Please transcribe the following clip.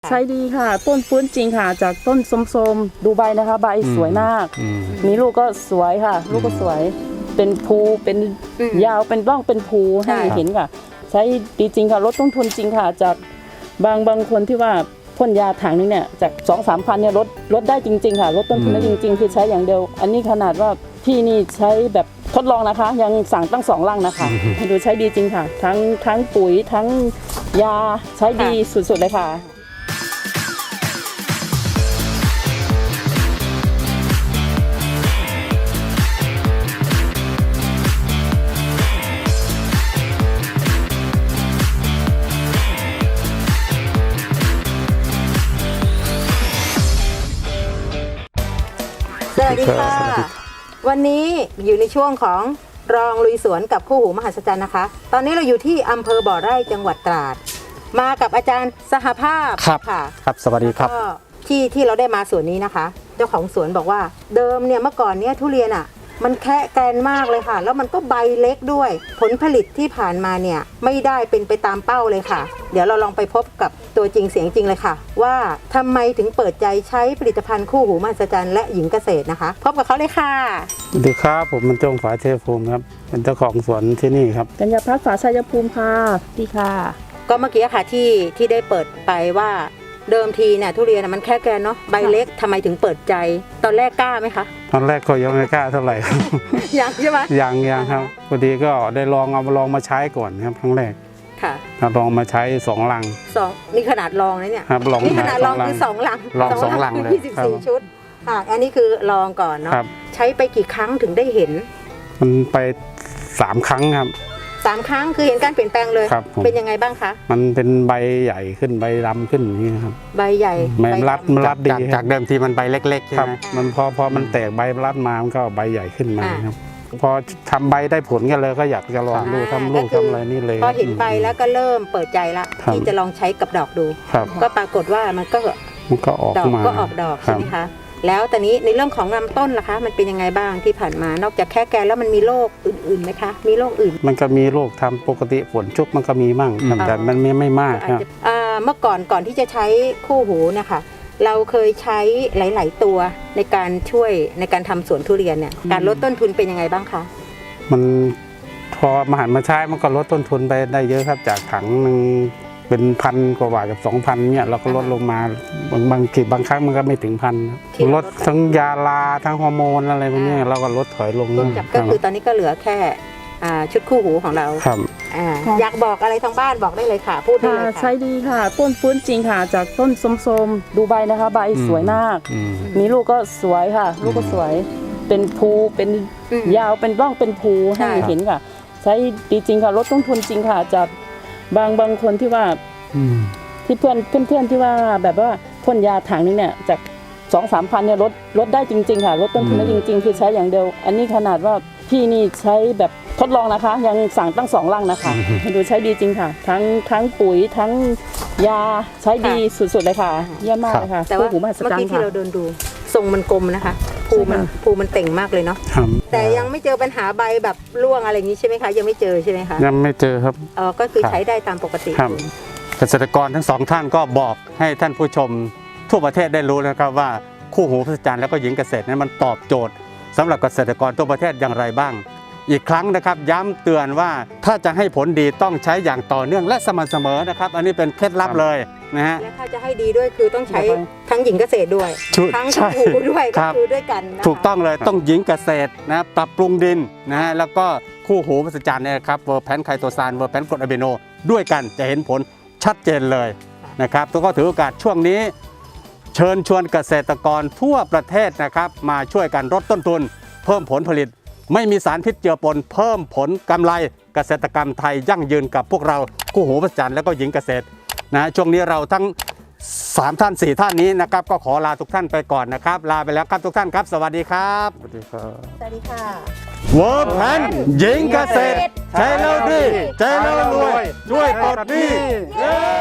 ใช้ดีค่ะต้นฟื้นจริงค่ะจากต้นส้มๆดูใบนะคะใบสวยมากมีลูกก็สวยค่ะลูกก็สวยเป็นภูเป็นยาวเป็นร่องเป็นภูให้เห็นค่ะใช้ดีจริงค่ะลดต้นทุนจริงค่ะจากบางคนที่ว่าพ่นยาถังนึงเนี่ยจาก 2-3 พันเนี่ยลดได้จริงๆค่ะลดต้นทุนได้จริงๆคือใช้อย่างเดียวอันนี้ขนาดว่าพี่นี่ใช้แบบทดลองนะคะยังสั่งตั้ง2 ลังนะคะดูใช้ดีจริงค่ะทั้งปุ๋ยทั้งยาใช้ดีสุดๆเลยค่ะสวัสดีค่ะวันนี้อยู่ในช่วงของรองลุยสวนกับคู่หูมหัศจรรย์นะคะตอนนี้เราอยู่ที่อำเภอบ่อไร่จังหวัดตราดมากับอาจารย์สหภาพค่ะครับสวัสดีครับก็ที่เราได้มาสวนนี้นะคะเจ้าของสวนบอกว่าเดิมเนี่ยเมื่อก่อนเนี่ยทุเรียนอ่ะมันแคะแกรนมากเลยค่ะแล้วมันก็ใบเล็กด้วยผลผลิตที่ผ่านมาเนี่ยไม่ได้เป็นไปตามเป้าเลยค่ะเดี๋ยวเราลองไปพบกับตัวจริงเสียงจริงเลยค่ะว่าทำไมถึงเปิดใจใช้ผลิตภัณฑ์คู่หูมหัศจรรย์และหญิงเกษตรนะคะพบกับเขาเลยค่ะสวัสดีครับผมมันจงฝาเทพภูมิครับเป็นเจ้าของสวนที่นี่ครับกัญญาพัฒน์ฝาชัยภูมิค่ะดีค่ะก็เมื่อกี้ค่ะที่ได้เปิดไปว่าเดิมทีเนี่ยทุเรียนมันแค่แกนเนาะใบเล็กทำไมถึงเปิดใจตอนแรกกล้าไหมคะตอนแรกก็ยังไม่กล้าเท่าไหร่ครับยังใช่ไหมยังครับพอดีก็ได้ลองมาใช้ก่อนครับครั้งแรกค่ะลองมาใช้2 ลังนี่ขนาดลองนะเนี่ยครับลองนี่ขนาดลองคือ2 ลังลอง2 ลังเลย 24 ชุดอันนี้คือลองก่อนเนาะใช้ไปกี่ครั้งถึงได้เห็นมันไป3 ครั้งครับ 3 ครั้งคือเห็นการเปลี่ยนแปลงเลยเป็นยังไงบ้างคะมันเป็นใบใหญ่ขึ้นใบดำขึ้นอย่างนี้ครับใบใหญ่มันรัดดีจากเดิมทีมันใบเล็กๆใช่ไหมมันพอมันแตกใบรัดมามันก็ใบใหญ่ขึ้นมาครับพอทำใบได้ผลกันเลยก็อยากจะลองดูทำลูกทำอะไรนี่เลยพอเห็นใบแล้วก็เริ่มเปิดใจละที่จะลองใช้กับดอกดูก็ปรากฏว่ามันก็ออกมาก็ออกดอกใช่ไหมคะแล้วตอนนี้ในเรื่องของลำต้นล่ะคะมันเป็นยังไงบ้างที่ผ่านมานอกจากแค่แกนแล้วมันมีโรคอื่นๆไหมคะมีโรคอื่นมันก็มีโรคทำปกติฝนชุกมันก็มีมั่งแต่มันไม่มากครับเมื่อก่อนที่จะใช้คู่หูนะคะเราเคยใช้หลายๆตัวในการช่วยในการทำสวนทุเรียนเนี่ยการลดต้นทุนเป็นยังไงบ้างคะมันพอมาหันมาใช้มันก็ลดต้นทุนไปได้เยอะครับจากถังนึงเป็น1,000 กว่าบาทกับ 2,000เนี่ยเราก็ลดลงมาบางครั้งมันก็ไม่ถึง1,000ลดทั้งยาลาทั้งฮอร์โมนอะไรพวกนี้เราก็ลดถอยลงก็คือตอนนี้ก็เหลือแค่ชุดคู่หูของเราครับอยากบอกอะไรทางบ้านบอกได้เลยค่ะพูดได้เลยค่ะใช้ดีค่ะต้นฟื้นจริงค่ะจากต้นส้มๆดูใบนะคะใบสวยมากมีลูกก็สวยค่ะลูกก็สวยเป็นภูเป็นยาวเป็นร่องเป็นภูให้เห็นค่ะใช้ดีจริงค่ะลดต้นทุนจริงค่ะจากบางคนที่ว่าที่เพื่อนที่ว่าแบบว่าพ่นยาถังนึงเนี่ยจาก 2-3 พันเนี่ยลดได้จริงๆค่ะลดต้นทุนได้จริงๆคือใช้อย่างเดียวอันนี้ขนาดว่าพี่นี่ใช้แบบทดลองนะคะยังสั่งตั้ง2 ลังนะคะดูใช้ดีจริงค่ะทั้งปุ๋ยทั้งยาใช้ดีสุดๆเลยค่ะเยี่ยมมากเลยค่ะแต่ว่าเมื่อกี้ที่เราเดินดูทรงมันกลมนะคะภูมันเต่งมากเลยเนาะแต่ยังไม่เจอปัญหาใบแบบร่วงอะไรอย่างนี้ใช่ไหมคะยังไม่เจอใช่ไหมคะยังไม่เจอครับก็คือใช้ได้ตามปกติเกษตรกรทั้ง2 ท่านก็บอกให้ท่านผู้ชมทั่วประเทศได้รู้นะครับว่าคู่หูมหัศจรรย์แล้วก็หญิงเกษตรนั้นมันตอบโจทย์สำหรับเกษตรกรทั่วประเทศอย่างไรบ้างอีกครั้งนะครับย้ำเตือนว่าถ้าจะให้ผลดีต้องใช้อย่างต่อเนื่องและสม่ำเสมอนะครับอันนี้เป็นเคล็ดลับเลยนะฮะและถ้าจะให้ดีด้วยคือต้องใช้ทั้งหญิงเกษตรด้วยทั้งคู่หูด้วยก็คือด้วยกันถูกต้องเลยต้องหญิงเกษตรนะปรับปรุงดินนะฮะแล้วก็คู่หูมหัศจรรย์เนี่ยครับเวอร์แพนไคโตซานเวอร์แพนกรดอะมิโนด้วยกันจะเห็นผลชัดเจนเลยนะครับแล้วก็ถือโอกาสช่วงนี้เชิญชวนเกษตรกรทั่วประเทศนะครับมาช่วยกันลดต้นทุนเพิ่มผลผลิตไม่มีสารพิษเจือปนเพิ่มผลกำไรเกษตรกรรมไทยยั่งยืนกับพวกเราคู่หูมหัศจรรย์และก็หญิงเกษตรนะช่วงนี้เราทั้ง3 ท่าน 4 ท่านนี้นะครับก็ขอลาทุกท่านไปก่อนนะครับลาไปแล้วครับทุกท่านครับสวัสดีครับสวัสดีค่ะเวิร์กแพนหญิงเกษตรใช้แล้วดีใช้แล้วรวยช่วยปลดหนี้